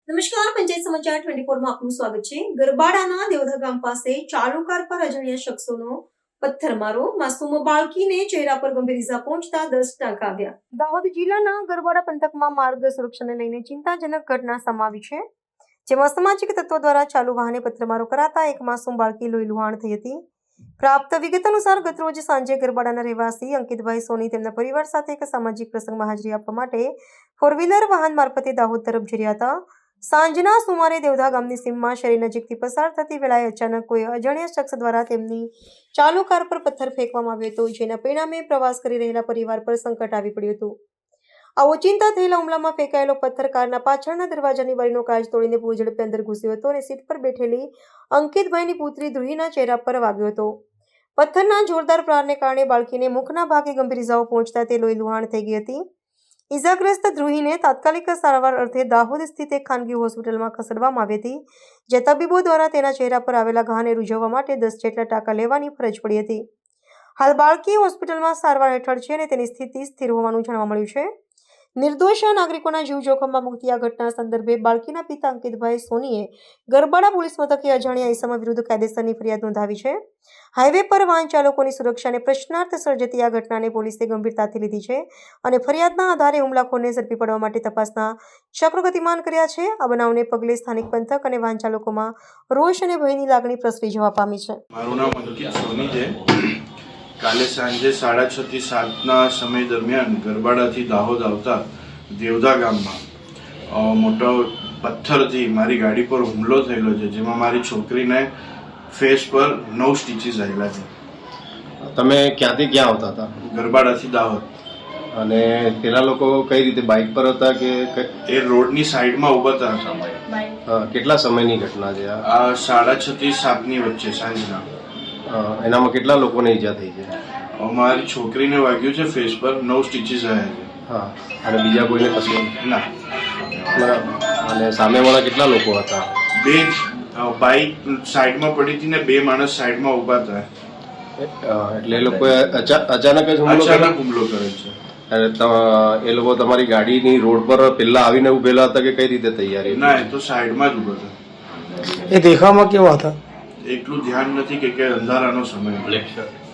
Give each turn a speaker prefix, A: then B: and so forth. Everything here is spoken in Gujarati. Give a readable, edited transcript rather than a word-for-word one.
A: નમસ્કાર, પંચાયત સમાચાર 24 માં આપનું સ્વાગત છે। ગરબાડાના દેવધા ગામ પાસે ચાલુ કાર પર અજાણ્યા શખ્સોનો પથ્થરમારો, માસૂમ બાળકીને ચહેરા પર ગંભીર ઇજા પહોંચતા 10 ટાંકા આવ્યા। દાહોદ જિલ્લાના ગરબાડા પંથકમાં માર્ગ સુરક્ષાને લઈને ચિંતાજનક ઘટના સામે આવી છે, જેમાં અસામાજિક તત્વો દ્વારા ચાલુ વાહને પથ્થરમારો કરાતા એક માસૂમ બાળકી લોહીલુહાણ થઈ હતી। પ્રાપ્ત વિગત અનુસાર ગતરોજ સાંજે ગરબાડાના રહેવાસી અંકિતભાઈ સોની તેમના પરિવાર સાથે એક સામાજિક પ્રસંગમાં હાજરી આપવા માટે ફોર વ્હીલર વાહન મારફતે દાહોદ તરફ જઈ રહ્યા હતા। સાંજના સુમારે દેવધા ગામની સીમમાં શેરી નજીકથી પસાર થતી વેળાએ અચાનક કોઈ અજાણ્યા શખ્સ દ્વારા તેમની ચાલુ કાર પર પથ્થર ફેંકવામાં આવ્યો હતો, જેના પરિણામે પ્રવાસ કરી રહેલા પરિવાર પર સંકટ આવી પડ્યું હતું। આ ઓચિંતા થયેલા હુમલામાં ફેંકાયેલો પથ્થર કારના પાછળના દરવાજાની બારીનો કાચ તોડીને પૂર ઝડપે અંદર ઘૂસ્યો હતો અને સીટ પર બેઠેલી અંકિતભાઈની પુત્રી ધ્રુહીના ચહેરા પર વાગ્યો હતો। પથ્થરના જોરદાર પ્રહારને કારણે બાળકીને મુખના ભાગે ગંભીર ઇજાઓ પહોંચતા તે લોહીલુહાણ થઈ ગઈ હતી। ઇજાગ્રસ્ત ધ્રુહીને તાત્કાલિક સારવાર અર્થે દાહોદ સ્થિત એક ખાનગી હોસ્પિટલમાં ખસેડવામાં આવી હતી, જ્યાં તબીબો દ્વારા તેના ચહેરા પર આવેલા ઘાને રૂઝવવા માટે 10 જેટલા ટાંકા લેવાની ફરજ પડી હતી। હાલ બાળકી હોસ્પિટલમાં સારવાર હેઠળ છે અને તેની સ્થિતિ સ્થિર હોવાનું જાણવા મળ્યું છે। નિર્દોષ નાગરિકોના જીવ જોખમમાં મૂકતી આ ઘટના સંદર્ભે બાળકીના પિતા અંકિતભાઈ સોનીએ ગરબાડા પોલીસ મથકે અજાણ્યા ઇસમ વિરુદ્ધ કાયદેસરની ફરિયાદ નોંધાવી છે। હાઈવે પર વાહન ચાલકોની સુરક્ષાને પ્રશ્નાર્થ સર્જતી આ ઘટનાને પોલીસે ગંભીરતાથી લીધી છે અને ફરિયાદના આધારે હુમલાખોરને ઝડપી પાડવા માટે તપાસના ચક્રો ગતિમાન કર્યા છે। આ બનાવને પગલે સ્થાનિક પંથક અને વાહન ચાલકોમાં રોષ અને ભયની લાગણી પ્રસરી જવા પામી છે।
B: મારું નામ અંકિત સોની છે। કાલે સાંજે 6:30 થી 7ના સમય દરમિયાન ગરબાડાથી દાહોદ આવતા દેવધા ગામમાં મોટો પથ્થરથી મારી ગાડી પર હુમલો થયેલો છે, જેમાં મારી છોકરીને ફેસ પર 9 સ્ટીચીસ આવેલા છે।
C: તમે ક્યાંથી ક્યાં આવતા હતા?
B: ગરબાડાથી દાહોદ।
C: અને પેલા લોકો કઈ રીતે બાઇક પર હતા કે
B: એ રોડની સાઈડમાં ઊભા હતા।
C: કેટલા સમયની ઘટના છે
B: આ 6:30 થી 7ની વચ્ચે સાંજના।
C: એનામાં કેટલા લોકોને ઈજા થઈ છે?
B: મારી છોકરીને વાગ્યું છે ફેસ પર, 9 સ્ટીચીસ આવ્યા છે।
C: હા, અને બીજા કોઈને કશું
B: ના।
C: બરાબર। અને સામેવાળા કેટલા લોકો હતા?
B: બે બાઇક સાઈડમાં પડી હતી ને 2 માણસ સાઈડમાં ઊભા હતા।
C: એટલે એ લોકોએ અચાનક જ હુમલો
B: કરે છે।
C: અને એ લોકો તમારી ગાડીની રોડ પર પેલા આવીને ઉભેલા હતા કે કઈ રીતે તૈયારી?
B: ના, એ તો સાઈડમાં જ ઉભા હતા।
D: એ દેખાવમાં કેવા હતા?
B: એટલું ધ્યાન નથી કે અંધારાનો સમય।